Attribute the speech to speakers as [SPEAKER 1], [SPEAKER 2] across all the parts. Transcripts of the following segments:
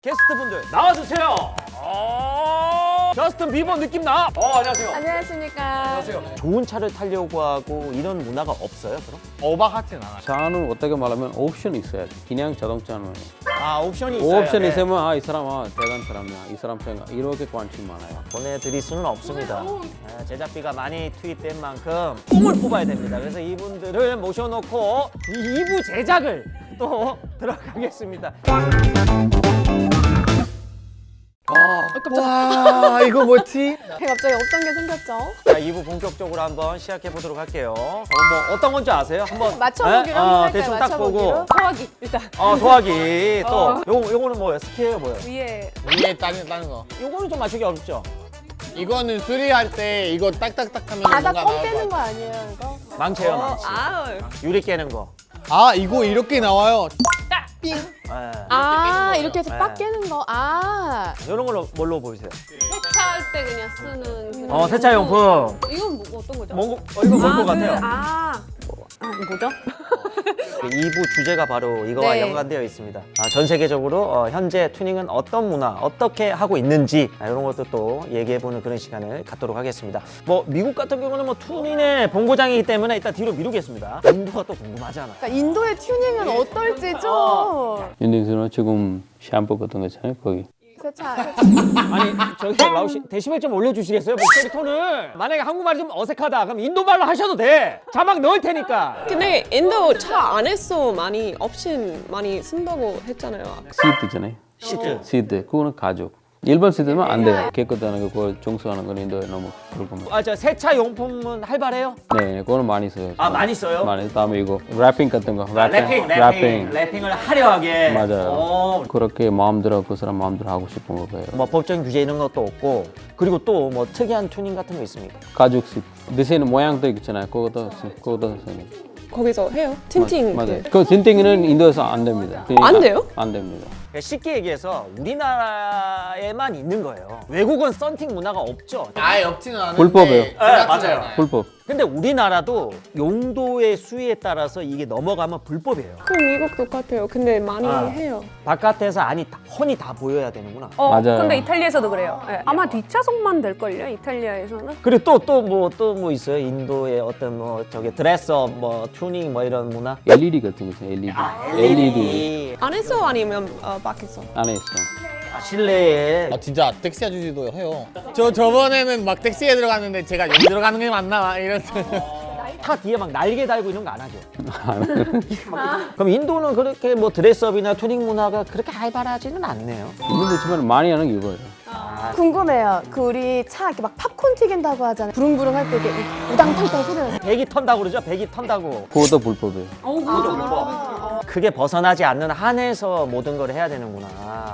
[SPEAKER 1] 게스트분들 나와주세요. 저스틴 비버 느낌 나. 안녕하세요.
[SPEAKER 2] 안녕하십니까.
[SPEAKER 1] 안녕하세요. 좋은 차를 타려고 하고 이런 문화가 없어요, 그럼?
[SPEAKER 3] 오버하진 않아요.
[SPEAKER 4] 차는 어떻게 말하면 옵션이 있어야 돼. 그냥 자동차는
[SPEAKER 1] 옵션이 있어요.
[SPEAKER 4] 옵션이 있으면 이 사람 대단 사람이야. 이 사람 생각 이렇게 관심 많아요.
[SPEAKER 1] 보내드릴 수는 없습니다. 제작비가 많이 투입된 만큼 뽕을 뽑아야 됩니다. 그래서 이분들을 모셔놓고 2부 제작을 또 들어가겠습니다.
[SPEAKER 3] 와 이거 뭐지?
[SPEAKER 2] 갑자기 어떤 게 생겼죠?
[SPEAKER 1] 자, 2부 본격적으로 한번 시작해 보도록 할게요. 뭐 어떤 건지 아세요? 한번
[SPEAKER 2] 맞춰보기로 한번 할까요?
[SPEAKER 1] 대충 딱
[SPEAKER 2] 맞춰보기로?
[SPEAKER 1] 보고.
[SPEAKER 2] 소화기 일단
[SPEAKER 1] 소화기 또 요거는 뭐예요? 스키예요, 뭐예요?
[SPEAKER 2] 위에
[SPEAKER 3] 위에 다른 거.
[SPEAKER 1] 요거는 좀 맞추기 어렵죠?
[SPEAKER 3] 이거는 수리할 때 이거 딱딱딱 하면
[SPEAKER 2] 바닥
[SPEAKER 3] 뭔가
[SPEAKER 2] 껌
[SPEAKER 3] 나올
[SPEAKER 2] 빼는
[SPEAKER 3] 것
[SPEAKER 2] 거 아니에요 이거?
[SPEAKER 1] 망치예요, 망치. 유리 깨는 거.
[SPEAKER 3] 같아. 이거 이렇게 나와요.
[SPEAKER 2] 이렇게 해서 빡 깨는 거.
[SPEAKER 1] 이런 걸로 뭘로 보이세요?
[SPEAKER 2] 세차할 때 그냥 쓰는 그런
[SPEAKER 1] 세차용품.
[SPEAKER 2] 이건 뭐, 어떤 거죠?
[SPEAKER 1] 이거 뭘 것 같아요?
[SPEAKER 2] 뭐죠?
[SPEAKER 1] 2부 주제가 바로 이거와
[SPEAKER 2] 네.
[SPEAKER 1] 연관되어 있습니다. 전 세계적으로 현재 튜닝은 어떤 문화, 어떻게 하고 있는지 이런 것도 또 얘기해보는 그런 시간을 갖도록 하겠습니다. 뭐 미국 같은 경우는 뭐 튜닝의 본고장이기 때문에 일단 뒤로 미루겠습니다. 인도가 또 궁금하잖아.
[SPEAKER 2] 그러니까 인도의 튜닝은 어떨지 좀
[SPEAKER 4] 인도에서는 지금 샴푸 같은 거 있잖아요. 거기
[SPEAKER 2] 세차
[SPEAKER 1] 아니 저기 라우 씨 데시벨 좀 올려주시겠어요? 목소리 톤을. 만약에 한국말이 좀 어색하다 그럼 인도말로 하셔도 돼. 자막 넣을 테니까.
[SPEAKER 5] 근데 인도 차 안에서 많이 옵션 많이 쓴다고 했잖아요.
[SPEAKER 4] 시트 있잖아요. 시트 그거는 가죽. 일반 시트는 안 돼요. 깨끗하는 거, 그걸 청소하는 건 인도에 너무 불편해요.
[SPEAKER 1] 저 세차 용품은 활발해요?
[SPEAKER 4] 네, 그거는 많이 써요.
[SPEAKER 1] 많이 써요?
[SPEAKER 4] 많이. 다음에 이거 랩핑 같은 거.
[SPEAKER 1] 래핑을 화려하게.
[SPEAKER 4] 맞아요. 그렇게 마음대로 그 사람 마음대로 하고 싶은 거예요.
[SPEAKER 1] 뭐 법적인 규제 이런 것도 없고 그리고 또 뭐 특이한 튜닝 같은 거 있습니까?
[SPEAKER 4] 가죽 시트. 디자인 모양도 있잖아요. 그것도 써요.
[SPEAKER 5] 거기서 해요? 틴팅.
[SPEAKER 4] 맞아요. 그 틴팅은 인도에서 안 됩니다.
[SPEAKER 5] 안 돼요?
[SPEAKER 4] 안 됩니다.
[SPEAKER 1] 쉽게 얘기해서 우리나라에만 있는 거예요. 외국은 썬팅 문화가 없죠.
[SPEAKER 3] 아예 없지는 않은데.
[SPEAKER 4] 불법이에요.
[SPEAKER 1] 맞아요.
[SPEAKER 4] 불법.
[SPEAKER 1] 근데 우리나라도 용도의 수위에 따라서 이게 넘어가면 불법이에요.
[SPEAKER 5] 그럼 미국 똑같아요. 근데 많이 해요.
[SPEAKER 1] 바깥에서 훤히 다 보여야 되는구나.
[SPEAKER 4] 맞아요.
[SPEAKER 6] 근데 이탈리아에서도 그래요. 네. 아마 뒷좌석만 될걸요, 이탈리아에서는.
[SPEAKER 1] 그리고 또 뭐 있어요? 인도의 어떤 뭐 저기 드레스업 뭐 튜닝 뭐 이런 문화?
[SPEAKER 4] LED 같은 거 있어요. LED. LED.
[SPEAKER 5] 안에서 아니면 밖에서?
[SPEAKER 4] 안에 있어.
[SPEAKER 1] 실내에
[SPEAKER 3] 진짜 택시 아저씨도 해요. 저번에는 막 택시에 들어갔는데 제가 여기 들어가는 게 맞나 이런.
[SPEAKER 1] 차 뒤에 막 날개 달고 이런 거 안 하죠? 그럼 인도는 그렇게 뭐 드레스업이나 튜닝 문화가 그렇게 활발하지는 않네요.
[SPEAKER 4] 있는데 지금 많이 하는 게 이거예요.
[SPEAKER 2] 궁금해요. 그 우리 차 이렇게 막 팝콘 튀긴다고 하잖아요. 부릉부릉 할 때 이렇게 우당탕탕 소리 나서
[SPEAKER 1] 배기 턴다고 그러죠? 배기 턴다고.
[SPEAKER 4] 그것도 불법이에요.
[SPEAKER 1] 그게 벗어나지 않는 한에서 모든 걸 해야 되는구나.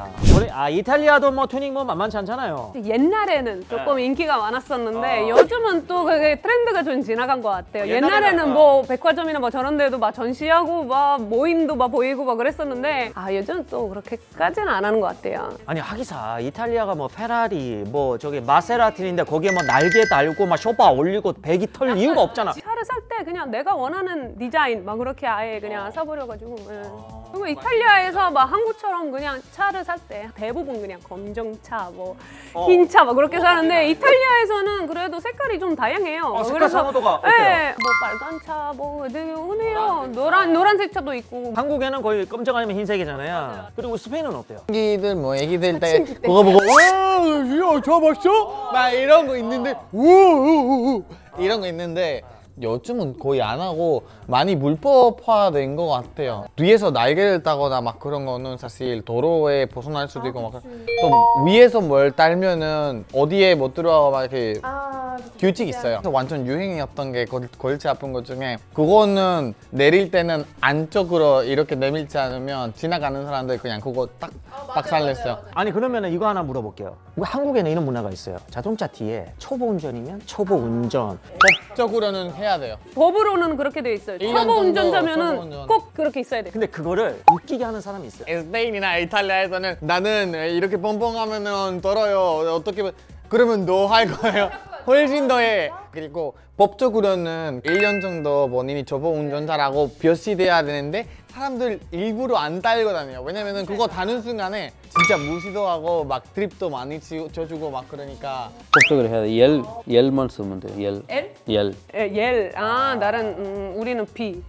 [SPEAKER 1] 이탈리아도 뭐 튜닝 뭐 만만치 않잖아요.
[SPEAKER 6] 옛날에는 조금 인기가 많았었는데 요즘은 또 그게 트렌드가 좀 지나간 것 같아요. 옛날에는 뭐 백화점이나 뭐 저런 데도 막 전시하고 막 모임도 막 보이고 막 그랬었는데 요즘은 또 그렇게까지는 안 하는 것 같아요.
[SPEAKER 1] 아니 하기사 이탈리아가 뭐 페라리 뭐 저기 마세라티인데 거기에 뭐 날개 달고 막 쇼파 올리고 배기 털 이유가 없잖아.
[SPEAKER 6] 차를 살 때 그냥 내가 원하는 디자인 막 그렇게 아예 그냥 사버려가지고 그리고 이탈리아에서 막 한국처럼 그냥 차를 살 때 대부분 그냥 검정차 뭐 흰차 막 그렇게 사는데 이탈리아에서는 그래도 색깔이 좀 다양해요.
[SPEAKER 1] 색깔 선호도가 어때요?
[SPEAKER 6] 네, 뭐 빨간 차 뭐 되게 흔해요. 노란색 차도 있고.
[SPEAKER 1] 한국에는 거의 검정 아니면 흰색이잖아요. 그리고 스페인은 어때요?
[SPEAKER 3] 애기들 뭐 애기들 때 그거 보고 와, 저 봤어? 막 이런 거 있는데 우우우 이런 거 있는데 요즘은 거의 안 하고 많이 물법화된 것 같아요. 뒤에서 날개를 따거나 막 그런 거는 사실 도로에 벗어날 수도 있고 막 또 위에서 뭘 달면은 어디에 못 들어가 막 이렇게 규칙 있어요. 완전 유행이었던 게 골치 아픈 것 중에 그거는 내릴 때는 안쪽으로 이렇게 내밀지 않으면 지나가는 사람들 그냥 그거 딱 박살냈어요.
[SPEAKER 1] 아니 그러면 이거 하나 물어볼게요. 한국에는 이런 문화가 있어요. 자동차 뒤에 초보 운전이면 초보 운전.
[SPEAKER 3] 법적으로는 해야 돼요.
[SPEAKER 6] 법으로는 그렇게 돼 있어요.
[SPEAKER 3] 1년
[SPEAKER 6] 초보
[SPEAKER 3] 정도
[SPEAKER 6] 운전자면은
[SPEAKER 3] 초보 운전.
[SPEAKER 6] 꼭 그렇게 있어야 돼.
[SPEAKER 1] 근데 그거를 웃기게 하는 사람이 있어요.
[SPEAKER 3] 스페인이나 이탈리아에서는 나는 이렇게 뻥뻥하면은 떨어요. 어떻게 그러면 너 할 거예요? 훨씬 더해. 그리고 법적으로는 1년 정도 본인이 초보 운전자라고 표시돼야 되는데 사람들 일부러 안 달고 다녀요. 왜냐면은 그거 다는 순간에 진짜 무시도 하고 막 드립도 많이 쳐주고 막 그러니까.
[SPEAKER 4] 법적으로 해야 돼. 열만 쓰면 돼. 열.
[SPEAKER 6] L?
[SPEAKER 4] 열.
[SPEAKER 6] 예, 아, 우리는 B.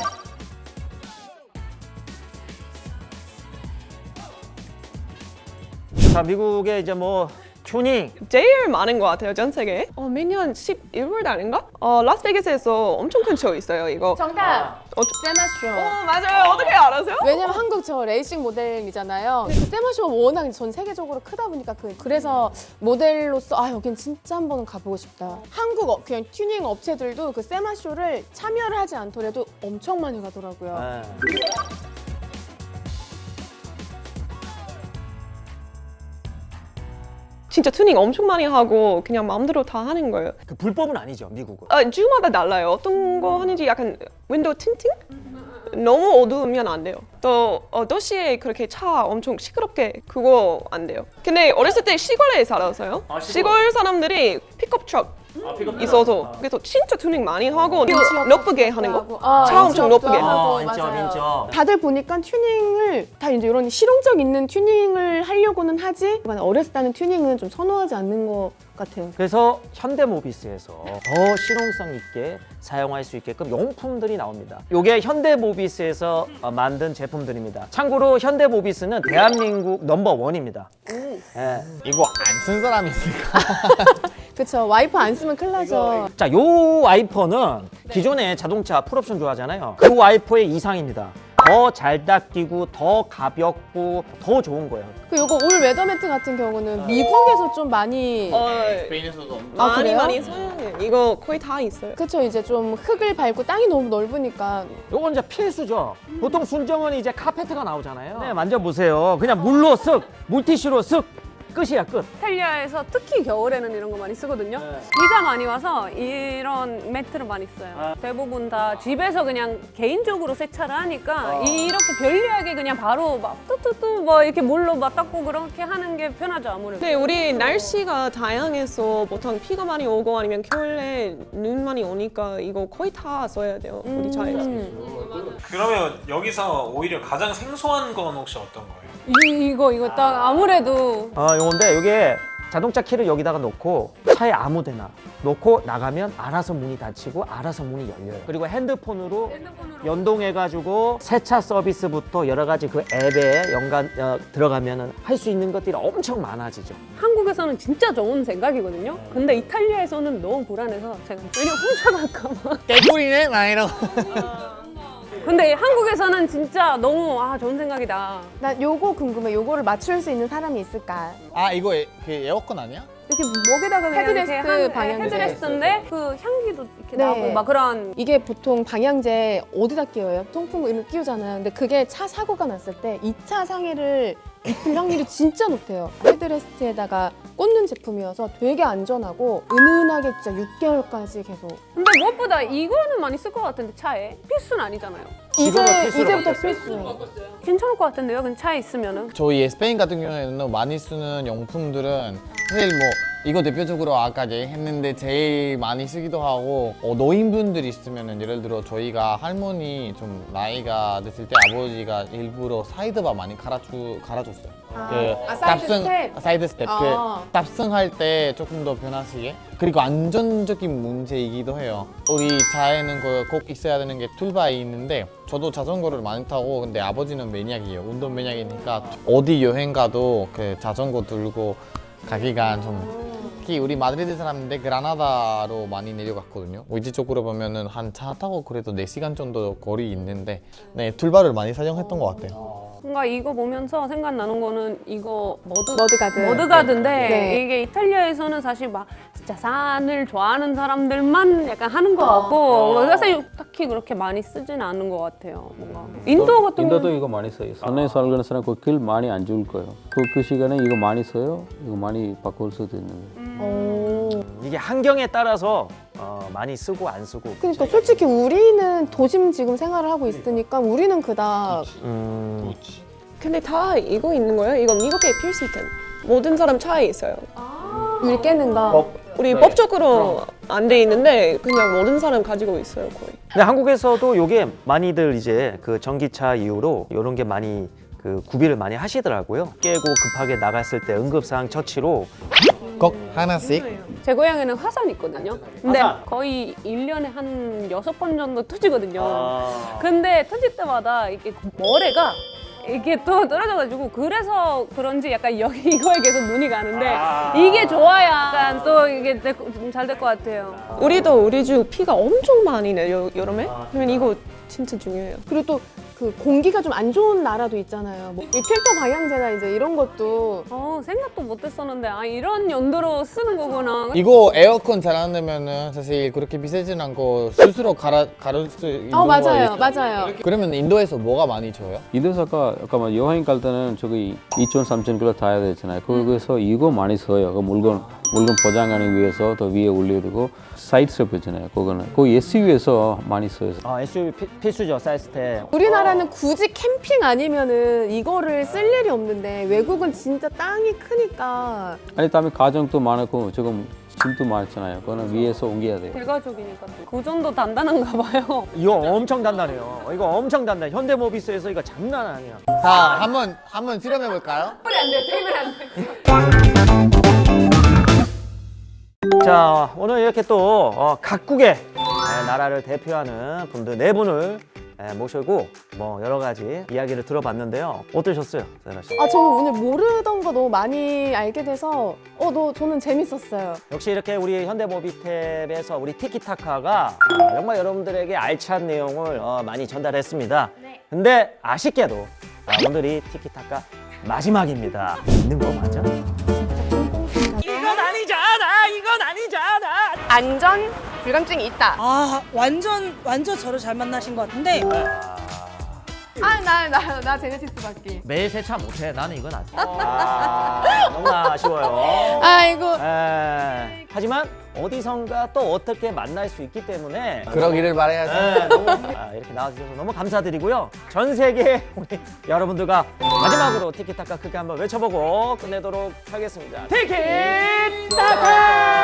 [SPEAKER 1] 자, 미국의 이제 뭐 튜닝
[SPEAKER 5] 제일 많은 것 같아요, 전 세계에. 매년 11월 달인가? 라스베이거스에서 엄청 큰 쇼 있어요, 이거.
[SPEAKER 2] 정답! 세마쇼.
[SPEAKER 5] 맞아요. 어떻게 알아세요?
[SPEAKER 2] 왜냐면 한국 저 레이싱 모델이잖아요. 그 세마쇼가 워낙 전 세계적으로 크다 보니까 그래서 모델로서 아 여긴 진짜 한번 가보고 싶다. 한국 그냥 튜닝 업체들도 그 세마쇼를 참여를 하지 않더라도 엄청 많이 가더라고요.
[SPEAKER 1] 네.
[SPEAKER 5] 진짜 튜닝 엄청 많이 하고 그냥 마음대로 다 하는 거예요.
[SPEAKER 1] 그 불법은 아니죠, 미국은.
[SPEAKER 5] 주마다 달라요. 어떤 거 하는지 약간 윈도우 틴팅? 너무 어두우면 안 돼요. 또 도시에 그렇게 차 엄청 시끄럽게 그거 안 돼요. 근데 어렸을 때 시골에 살아서요. 시골 사람들이 픽업 트럭 있어서 그래서 진짜 튜닝 많이 하고 높게 하는 거. 차 엄청 높게.
[SPEAKER 1] 인정.
[SPEAKER 2] 다들 보니까 튜닝을 다 이제 이런 실용적 있는 튜닝을 하려고는 하지 어렸을 때는 튜닝은 좀 선호하지 않는 것 같아요.
[SPEAKER 1] 그래서 현대모비스에서 더 실용성 있게 사용할 수 있게끔 용품들이 나옵니다. 이게 현대모비스에서 만든 제품들입니다. 참고로 현대모비스는 대한민국 넘버1입니다. 예.
[SPEAKER 3] 이거 안 쓴 사람이 있을까?
[SPEAKER 2] 그쵸. 와이퍼 안 쓰면 큰일 나죠.
[SPEAKER 1] 자, 요 와이퍼는 기존의 자동차 풀옵션 좋아하잖아요. 그 와이퍼의 이상입니다. 더 잘 닦이고 더 가볍고 더 좋은 거예요.
[SPEAKER 2] 그 요거 올 웨더매트 같은 경우는 미국에서 좀 많이
[SPEAKER 3] 스페인에서도
[SPEAKER 5] 많이
[SPEAKER 2] 그래요?
[SPEAKER 5] 많이 사용해요. 이거 거의 다 있어요.
[SPEAKER 2] 그쵸. 이제 좀 흙을 밟고 땅이 너무 넓으니까
[SPEAKER 1] 요건 이제 필수죠. 보통 순정은 이제 카페트가 나오잖아요. 네, 만져보세요. 그냥 물로 쓱, 물티슈로 쓱, 끝이야, 끝.
[SPEAKER 6] 이탈리아에서 특히 겨울에는 이런 거 많이 쓰거든요. 비가 많이 와서 이런 매트를 많이 써요. 대부분 다 집에서 그냥 개인적으로 세차를 하니까 이렇게 편리하게 그냥 바로 막 뚜뚜뚜 뭐 이렇게 물로 막 닦고 그렇게 하는 게 편하죠, 아무래도.
[SPEAKER 5] 근데 우리 날씨가 다양해서 보통 비가 많이 오고 아니면 겨울에 눈 많이 오니까 이거 거의 다 써야 돼요, 우리 차에서.
[SPEAKER 7] 그러면 여기서 오히려 가장 생소한 건 혹시 어떤 거예요?
[SPEAKER 6] 이거 딱 아무래도
[SPEAKER 1] 요건데 요게 자동차 키를 여기다가 놓고 차에 아무데나 놓고 나가면 알아서 문이 닫히고 알아서 문이 열려요. 그리고 핸드폰으로 연동해가지고 세차 서비스부터 여러 가지 그 앱에 들어가면은 할 수 있는 것들이 엄청 많아지죠.
[SPEAKER 6] 한국에서는 진짜 좋은 생각이거든요. 근데 이탈리아에서는 너무 불안해서 제가 괜히 훔쳐갈까 봐.
[SPEAKER 3] 개꿀이네 막 이러고.
[SPEAKER 6] 근데 한국에서는 진짜 너무 좋은 생각이다.
[SPEAKER 2] 나 요거 궁금해. 요거를 맞출 수 있는 사람이 있을까?
[SPEAKER 3] 아 이거 그 에어컨 아니야?
[SPEAKER 6] 이렇게 목에다가 그냥
[SPEAKER 2] 헤드레스트
[SPEAKER 6] 이렇게 한
[SPEAKER 2] 방향제.
[SPEAKER 6] 헤드레스트인데 그 향기도 이렇게
[SPEAKER 2] 네.
[SPEAKER 6] 나고 막 그런.
[SPEAKER 2] 이게 보통 방향제 어디다 끼워요? 통풍 이렇게 끼우잖아요. 근데 그게 차 사고가 났을 때 2차 상해를 입힐 확률이 진짜 높대요. 헤드레스트에다가 꽂는 제품이어서 되게 안전하고 은은하게 진짜 6개월까지 계속.
[SPEAKER 6] 근데 무엇보다 이거는 많이 쓸 것 같은데 차에 필수는 아니잖아요.
[SPEAKER 1] 지금은 필수로
[SPEAKER 2] 이제부터
[SPEAKER 1] 바뀌었어요.
[SPEAKER 2] 필수.
[SPEAKER 6] 괜찮을 것 같은데요, 근데 차에 있으면은.
[SPEAKER 3] 저희 스페인 같은 경우에는 많이 쓰는 용품들은 사실 뭐 이거 대표적으로 아까 얘기했는데 제일 많이 쓰기도 하고 노인분들이 있으면은 예를 들어 저희가 할머니 좀 나이가 됐을 때 아버지가 일부러 사이드바 많이 갈아줬어요. 사이드 스텝. 그 탑승할 때 조금 더 변하시게. 그리고 안전적인 문제이기도 해요. 우리 차에는 꼭 있어야 되는 게 툴바이 있는데 저도 자전거를 많이 타고 근데 아버지는 매니악이에요. 운동 매니악이니까 어디 여행 가도 그 자전거 들고 가기가 좀 특히 우리 마드리드 사람인데 그라나다로 많이 내려갔거든요. 위치 쪽으로 보면은 한 차 타고 그래도 4시간 정도 거리 있는데 네, 툴바를 많이 사용했던 것 같아요.
[SPEAKER 6] 뭔가 이거 보면서 생각나는 거는 이거
[SPEAKER 2] 머드가드.
[SPEAKER 6] 머드가드인데
[SPEAKER 2] 네.
[SPEAKER 6] 이게 이탈리아에서는 사실 막 진짜 산을 좋아하는 사람들만 약간 하는 것 같고 사실 딱히 그렇게 많이 쓰지는 않는 것 같아요. 뭔가 인도 같은
[SPEAKER 4] 인도도
[SPEAKER 6] 경우는
[SPEAKER 4] 이거 많이 써요. 산에 살는 사람 그 길 많이 안 좋을 거예요. 그 시간에 이거 많이 써요. 이거 많이 바꿀 수도 있는데.
[SPEAKER 1] 이게 환경에 따라서 많이 쓰고 안 쓰고.
[SPEAKER 2] 그러니까 솔직히 우리는 도심 지금 생활을 하고 있으니까 우리는 그닥
[SPEAKER 5] 근데 다 이거 있는 거예요? 이거 미국의 필수템. 모든 사람 차에 있어요.
[SPEAKER 2] 일 깨는 거.
[SPEAKER 5] 우리 법적으로 안 돼 있는데 그냥 모든 사람 가지고 있어요 거의.
[SPEAKER 1] 근데 한국에서도 요게 많이들 이제 그 전기차 이후로 이런 게 많이 그 구비를 많이 하시더라고요. 깨고 급하게 나갔을 때 응급사항 처치로
[SPEAKER 3] 꼭 하나씩.
[SPEAKER 6] 제 고향에는 화산이 있거든요. 근데
[SPEAKER 1] 화산?
[SPEAKER 6] 거의 1년에 한 6번 정도 터지거든요.
[SPEAKER 1] 아.
[SPEAKER 6] 근데 터질 때마다 이게 모래가 이게 또 떨어져가지고 그래서 그런지 약간 여기 이거에 계속 눈이 가는데 이게 좋아야 약간 또 이게 잘 될 것 같아요.
[SPEAKER 5] 우리도 우리 주 비가 엄청 많이 내요 여름에. 그러면 이거 진짜 중요해요.
[SPEAKER 2] 그리고 또 그 공기가 좀 안 좋은 나라도 있잖아요. 뭐 이 필터 방향제나 이제 이런 것도
[SPEAKER 6] 생각도 못했었는데 아 이런 용도로 쓰는 거구나.
[SPEAKER 3] 이거 에어컨 잘 안 되면은 사실 그렇게 비싸진 않고 스스로 가를 수 있는
[SPEAKER 2] 맞아요,
[SPEAKER 3] 거예요.
[SPEAKER 2] 맞아요.
[SPEAKER 3] 그러면 인도에서 뭐가 많이 줘요?
[SPEAKER 4] 인도에서 아까 뭐 여행 갈 때는 저기 2,000, 3,000km 타야 되잖아요. 거기서 이거 많이 써요. 그 물건 포장하기 위해서 더 위에 올려두고 사이드 스텝 있잖아요. 그거는 그 SUV에서 많이 써요.
[SPEAKER 1] SUV 필수죠, 사이즈 때.
[SPEAKER 2] 우리나라는 굳이 캠핑 아니면은 이거를 쓸 일이 없는데 외국은 진짜 땅이 크니까
[SPEAKER 4] 아니 다음에 가정도 많고 지금 짐도 많잖아요. 그거는 위에서 옮겨야 돼요.
[SPEAKER 6] 대가족이니까 그 정도 단단한가 봐요.
[SPEAKER 1] 이거 엄청 단단해요. 이거 엄청 단단해. 현대모비스에서 이거 장난 아니야.
[SPEAKER 3] 자, 한번 실험해 볼까요?
[SPEAKER 1] 자, 오늘 이렇게 또 각국의 나라를 대표하는 분들 4분을 모시고 뭐 여러 가지 이야기를 들어봤는데요. 어떠셨어요, 세라 씨?
[SPEAKER 2] 저는 오늘 모르던 거 너무 많이 알게 돼서 저는 재밌었어요.
[SPEAKER 1] 역시 이렇게 우리 현대모비탭에서 우리 티키타카가 정말 여러분들에게 알찬 내용을 많이 전달했습니다. 근데 아쉽게도 오늘이 티키타카 마지막입니다. 있는 거 맞아? 이건 아니잖아. 이건 아니잖아.
[SPEAKER 2] 안전 불감증이 있다.
[SPEAKER 8] 완전 저를 잘 만나신 것 같은데
[SPEAKER 2] 나 제네시스 받기.
[SPEAKER 1] 매일 세차 못해. 나는 이건 너무 아쉬워요.
[SPEAKER 2] 아이고.
[SPEAKER 1] 하지만 어디선가 또 어떻게 만날 수 있기 때문에
[SPEAKER 3] 그러기를 바라야죠.
[SPEAKER 1] 너무 이렇게 나와주셔서 너무 감사드리고요. 전 세계 우리 여러분들과 마지막으로 티키타카 크게 한번 외쳐보고 끝내도록 하겠습니다. 티키타카!